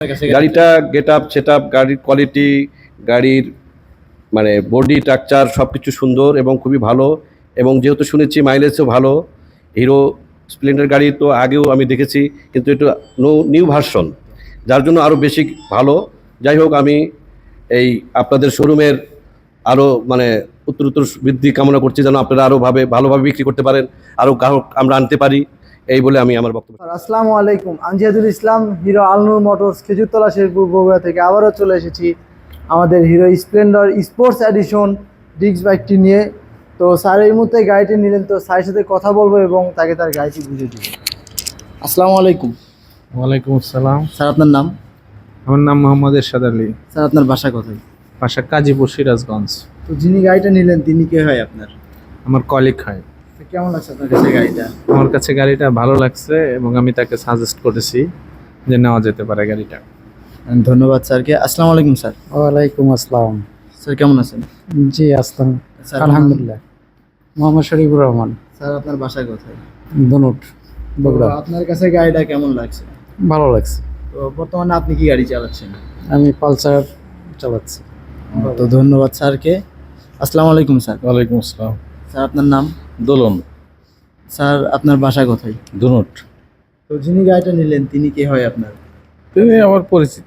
গাড়িটা get up set up, গাড়ির quality, গাড়ির মানে বডি স্ট্রাকচার সব কিছু সুন্দর এবং খুবই ভালো। এবং যেহেতু শুনেছি মাইলেজও ভালো, হিরো স্প্লেন্ডার গাড়ি তো আগেও আমি দেখেছি, কিন্তু এটা নিউ ভার্সন, যার জন্য আরও বেশি ভালো। যাই হোক, আমি এই আপনাদের শোরুমের আরও মানে উত্তরোত্তর বৃদ্ধি কামনা করছি, যেন আপনারা আরও ভালোভাবে বিক্রি করতে পারেন, আরও গ্রাহক আমরা আনতে পারি, এই বলে আমি আমার বক্তব্য। আসসালামু আলাইকুম, আমি জিয়াদুল ইসলাম, হিরো আলনুর মোটরস খেজুরতলা শেরপুর বগুড়া থেকে আবারও চলে এসেছি আমাদের Hero Splendor sports edition disc বাইকটি নিয়ে। তো স্যার এই মুহূর্তে গাড়িটি নিলেন, তো স্যারের সাথে কথা বলবো এবং তাকে তার গাড়িটি বুঝে দিব। আসসালামু আলাইকুম। ওয়ালাইকুম আসসালাম। স্যার আপনার নাম? আমার নাম মোহাম্মদ এরশাদ আলী। স্যার আপনার বাসা কোথায়? বাসা গাজীপুর, সিরাজগঞ্জ। তো যিনি গাড়িটা নিলেন তিনি কে হয় আপনার? আমার কলিগ হয়। তো কেমন লাগছে আপনার কাছে গাড়িটা? আমার কাছে গাড়িটা ভালো লাগছে এবং আমি তাকে সাজেস্ট করেছি যে নেওয়া যেতে পারে গাড়িটা। ধন্যবাদ স্যারকে। আসসালামু আলাইকুম স্যার। ওয়ালাইকুম আসসালাম। স্যার কেমন আছেন? জি আসলাম, স্যার আলহামদুলিল্লাহ। মোহাম্মদ শরীফুর রহমান, স্যার আপনার বাসা কোথায়? ধনুট, বগুড়া। তো আপনার কাছে গাড়িটা কেমন লাগছে? ভালো লাগছে। তো বর্তমানে আপনি কি গাড়ি চালাচ্ছেন? আমি পালসার চালাচ্ছি। তো ধন্যবাদ স্যারকে। আসসালামু আলাইকুম স্যার। ওয়ালাইকুম আসসালাম। স্যার আপনার নাম? দোলন, স্যার আপনার বাসা কোথায়? ধনুট। তো যিনি গাড়িটা নিলেন তিনি কে হয় আপনার? তুমি আমার পরিচিত।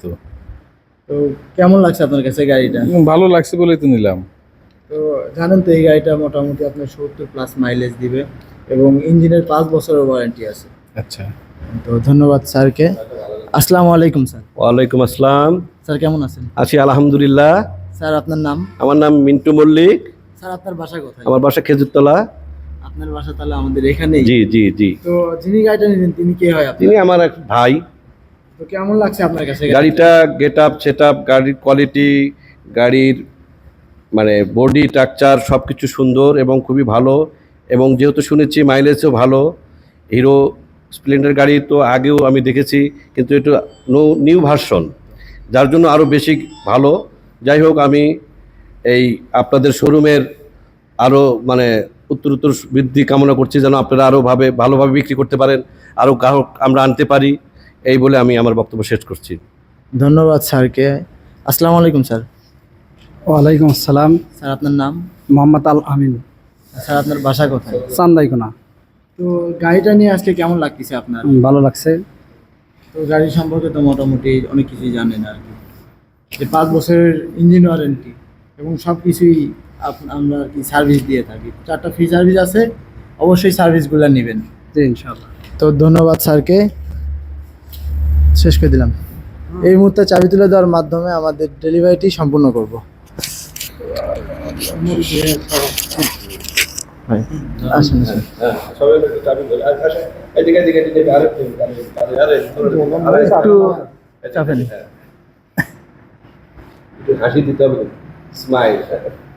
তো কেমন লাগছে আপনার কাছে গাড়িটা? ভালো লাগছে বলেই তো নিলাম। তো জানেন তো এই গাড়িটা মোটামুটি আপনার 70+ মাইলেজ দিবে এবং ইঞ্জিনের 5 বছরের ওয়ারেন্টি আছে। আচ্ছা, তো ধন্যবাদ স্যারকে। আসসালামু আলাইকুম স্যার। ওয়ালাইকুম আসসালাম। স্যার কেমন আছেন? আছি আলহামদুলিল্লাহ। স্যার আপনার নাম? আমার নাম মিন্টু মল্লিক। স্যার আপনার বাসা কোথায়? আমার বাসা খেজুরতলা। আপনার বাসা তাহলে আমাদের এখানেই? জি জি জি। তো যিনি গাড়িটা নিলেন তিনি কে হয় আপনার? তিনি আমার এক ভাই। তো কেমন লাগছে আপনার কাছে গাড়িটা গেট আপ সেট আপ, গাড়ির কোয়ালিটি, গাড়ির মানে বডি স্ট্রাকচার সব কিছু সুন্দর এবং খুবই ভালো। এবং যেহেতু শুনেছি মাইলেজও ভালো, হিরো স্প্লেন্ডার গাড়ি তো আগেও আমি দেখেছি, কিন্তু এটা নিউ ভার্সন, যার জন্য আরও বেশি ভালো। যাই হোক, আমি এই আপনাদের শোরুমের আরও মানে উত্তরোত্তর বৃদ্ধি কামনা করছি, যেন আপনারা আরও ভালোভাবে বিক্রি করতে পারেন, আরও গ্রাহক আমরা আনতে পারি, এই বলে আমি আমার বক্তব্য শেষ করছি। ধন্যবাদ স্যারকে। আসসালামু আলাইকুম স্যার। ওয়ালাইকুম আসসালাম। স্যার আপনার নাম? মোহাম্মদ আল আমিন, স্যার আপনার বাসা কোথায়? চান্দাইকোনা। তো গাড়িটা নিয়ে আজকে কেমন লাগতেছে আপনার? ভালো লাগছে। তো গাড়ি সম্পর্কে তো মোটামুটি অনেক কিছুই জানেন আর কি, যে 5 বছরের ইঞ্জিন ওয়ারেন্টি এবং সব কিছুই আমরা আর কি সার্ভিস দিয়ে থাকি। 4টা ফ্রি সার্ভিস আছে, অবশ্যই সার্ভিসগুলো নেবেন। জি ইনশাআল্লাহ। তো ধন্যবাদ স্যারকে। শেষ করে দিলাম। এই মুহূর্তে চাবি তুলে দেওয়ার মাধ্যমে আমাদের ডেলিভারিটি সম্পূর্ণ করব। আসুন আসুন। একটু চাপেন। হাসি দিতে হবে, স্মাইল।